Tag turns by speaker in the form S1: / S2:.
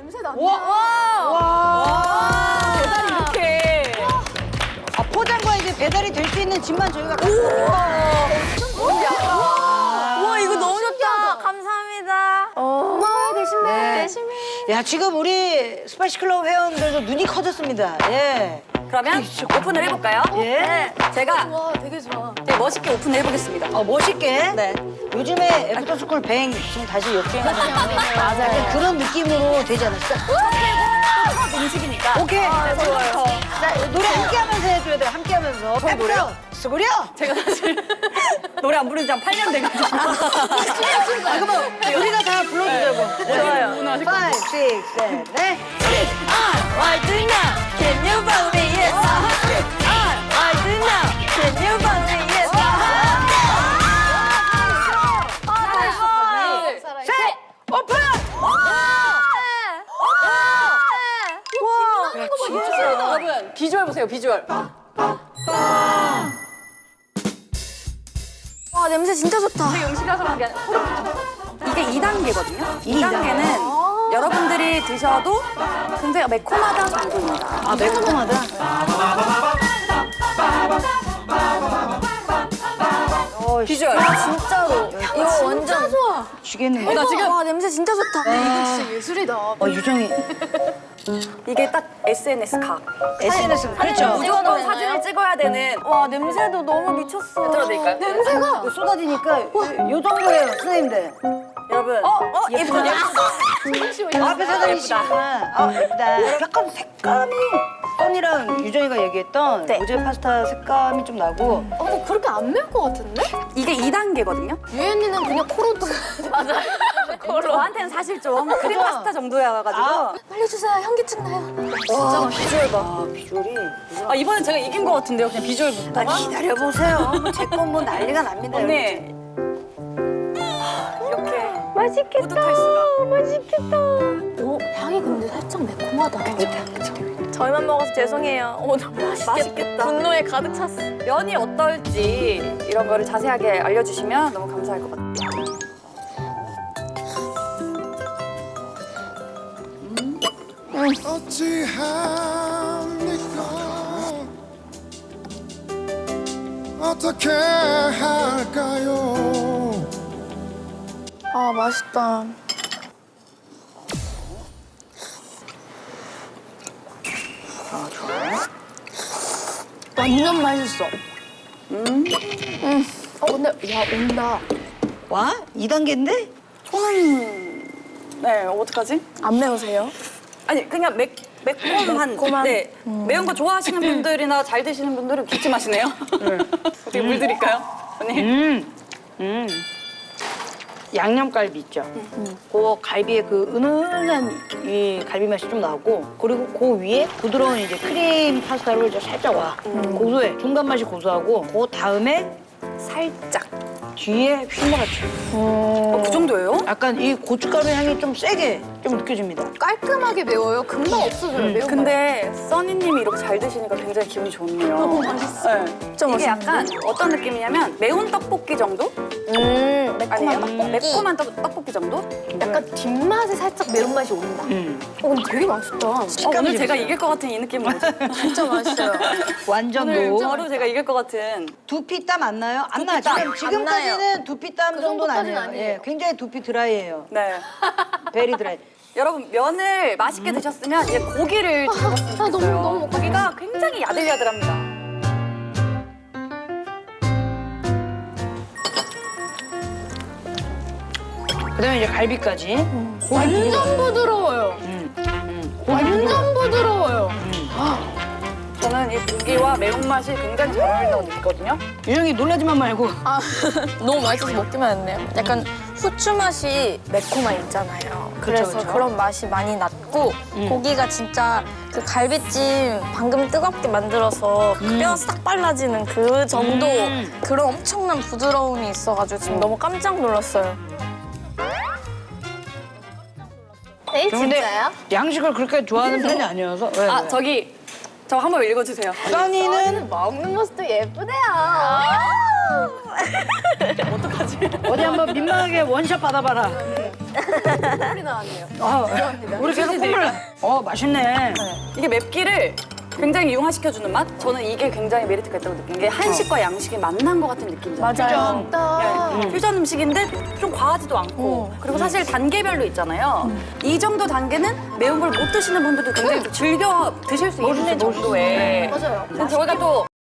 S1: 냄새 난다.
S2: 와.
S3: 배달이 이렇게.
S2: 포장과 이제 배달이 될 수 있는 집만 저희가
S3: 와, 이거 너무 좋다. 감사합니다.
S1: 고마워요, 대신배.
S2: 네.
S1: 대신배.
S2: 야, 지금 우리 스파이시 클럽 회원들도 눈이 커졌습니다. 예.
S3: 그러면 오픈을 해볼까요?
S2: 예.
S3: 제가
S1: 와, 되게 좋아.
S3: 되게 멋있게 오픈을 해보겠습니다.
S2: 멋있게.
S3: 네.
S2: 요즘에 애프터스쿨 뱅 지금 다시 역주행하는
S1: 맞아요.
S2: 그런 느낌으로 되지 않았어?
S3: 첫 음식이니까.
S2: 오케이.
S3: 좋아요.
S2: 자, 노래 함께 하면서 해줘야 돼요. 함께 하면서.
S3: 저희 노래요?
S2: 수고려!
S3: 제가 사실 노래 안 부른 지 한 8년 돼가지고.
S2: 그러면 우리가 다 불러주자고.
S3: 좋아요.
S2: 5, 6, 7, 8.
S3: Why do now? Can you follow me? Yes. Why do now? Can you follow me? Yes.
S2: 셋! 오픈!
S3: 여러분 비주얼 보세요. 비주얼.
S1: 와, 냄새 진짜 좋다.
S3: 우리 음식이라서 그런 게 아니라 이게 2단계거든요.
S2: 이
S3: 2단계는 여러분들이 드셔도 굉장히 매콤하다 정도입니다.
S2: 아, 매콤하다.
S3: 비주얼.
S1: 진짜로. 이거 완전 좋아.
S2: 죽겠는데.
S3: 나 지금
S1: 와, 냄새 진짜 좋다. 이거 진짜 예술이다.
S2: 유정이.
S3: 이게 딱 SNS 각.
S2: SNS. 그렇죠.
S3: 무조건 사진을 찍어야 되는.
S1: 와, 냄새도 너무 미쳤어.
S3: 들어드릴까요?
S1: 냄새가.
S2: 쏟아지니까 요 정도예요, 선생님들.
S3: 여러분.
S1: 예쁘다.
S2: 앞에 사장님이시구나. 예쁘다. 약간 색감이 써니랑 유정이가 얘기했던
S3: 네.
S2: 어제 파스타 색감이 좀 나고
S1: 근데 그렇게 안 매울 것 같은데?
S3: 이게 2단계거든요.
S1: 유엔이는 그냥 코로도. 맞아.
S3: 저한테는 사실 좀 크림 파스타 정도여가지고.
S1: 빨리 주세요. 현기증 나요.
S3: 와, 비주얼 봐.
S2: 아, 비주얼이.
S3: 이번엔 제가 이긴 것 같은데요. 그냥 비주얼부터.
S2: 기다려보세요. 제 건 뭐 난리가 납니다.
S3: 언니. 이렇게
S1: 맛있겠다.
S3: 뿌듯할 수가.
S1: 맛있겠다. 오, 향이 근데 살짝 매콤하다. 저희만 먹어서 죄송해요. 오, 너무
S3: 맛있겠다.
S1: 분노에 가득 찼어.
S3: 면이 어떨지 이런 거를 자세하게 알려주시면 너무 감사할 것 같아요.
S4: 어찌합니까 어떻게 할까요
S1: 아, 맛있다. 완전 맛있어. 근데 야, 온다.
S2: 와? 2단계인데?
S3: 저는 네 어떡하지?
S1: 안 매우세요?
S3: 아니 그냥 매콤한
S1: 매콤한?
S3: 네 매운 거 좋아하시는 분들이나 잘 드시는 분들은 기침하시네요. 어떻게 물 드릴까요, 언니?
S2: 양념갈비 있죠? 그 갈비에 그 은은한 이 갈비 맛이 좀 나고 그리고 그 위에 부드러운 이제 크림 파스타를 이제 살짝 와. 고소해. 중간 맛이 고소하고 그 다음에
S3: 살짝.
S2: 뒤에 휘몰아쳐.
S3: 그 정도예요?
S2: 약간 이 고춧가루 향이 좀 세게 좀 느껴집니다.
S1: 깔끔하게 매워요. 금방 없어져요. 매운
S3: 근데 써니님이 이렇게 잘 드시니까 굉장히 기분이 좋네요.
S1: 너무 맛있어.
S3: 네.
S1: 진짜
S3: 이게
S1: 맛있는데?
S3: 약간 어떤 느낌이냐면 매운 떡볶이 정도? 아니에요? 매콤한 떡볶이 정도?
S1: 약간 뒷맛에 살짝 매운맛이 온다. 근데 되게 맛있다.
S3: 오늘 제가 이길 것 같은 이 느낌 뭐죠?
S1: 진짜 맛있어요.
S2: 완전
S3: 오늘
S2: 노.
S3: 바로 제가 이길 것 같은.
S2: 두피땀 안 나요? 안 나요.
S3: 두피땀
S2: 지금까지는 두피땀
S1: 그
S2: 정도는
S1: 정도까지는
S2: 아니에요.
S1: 아니에요.
S2: 예, 굉장히 두피 드라이예요.
S3: 네.
S2: 베리 드라이.
S3: 여러분 면을 맛있게 드셨으면 이제 고기를 드셔봤으면
S1: 너무,
S3: 좋겠어요.
S1: 너무 먹고
S3: 고기가 굉장히 야들야들합니다.
S2: 그다음에 이제 갈비까지.
S1: 완전 부드러워요. 완전 부드러워요.
S3: 저는 이 고기와 매운맛이 굉장히 잘 어울린다고 느끼거든요.
S2: 유정이 놀라지만 말고.
S1: 아, 너무 맛있어서 먹기만 했네요. 약간 후추 맛이 매콤한 있잖아요. 그래서
S2: 그쵸.
S1: 그런 맛이 많이 났고 고기가 진짜 그 갈비찜 방금 뜨겁게 만들어서 그 뼈 싹 발라지는 그 정도 그런 엄청난 부드러움이 있어가지고 지금 너무 깜짝 놀랐어요. 네,
S2: 근데 양식을 그렇게 좋아하는 편이 아니어서. 왜,
S3: 아
S2: 왜?
S3: 저 한번 읽어주세요.
S2: 써니는
S1: 먹는 모습도 예쁘대요.
S3: 어떡하지?
S2: 어디 한번 민망하게 원샷 받아봐라. 우리 계속 콧물. 맛있네.
S3: 이게 맵기를 굉장히 융화시켜주는 맛? 저는 이게 굉장히 메리트가 있다고 느낀 게 한식과 양식이 만난 것 같은 느낌이잖아요.
S1: 맞아요.
S3: 퓨전 음식인데 좀 과하지도 않고 그리고 사실 단계별로 있잖아요. 이 정도 단계는 매운 걸 못 드시는 분들도 굉장히 좀 즐겨 드실 수 있는 정도의. 맞아요. 저희가 또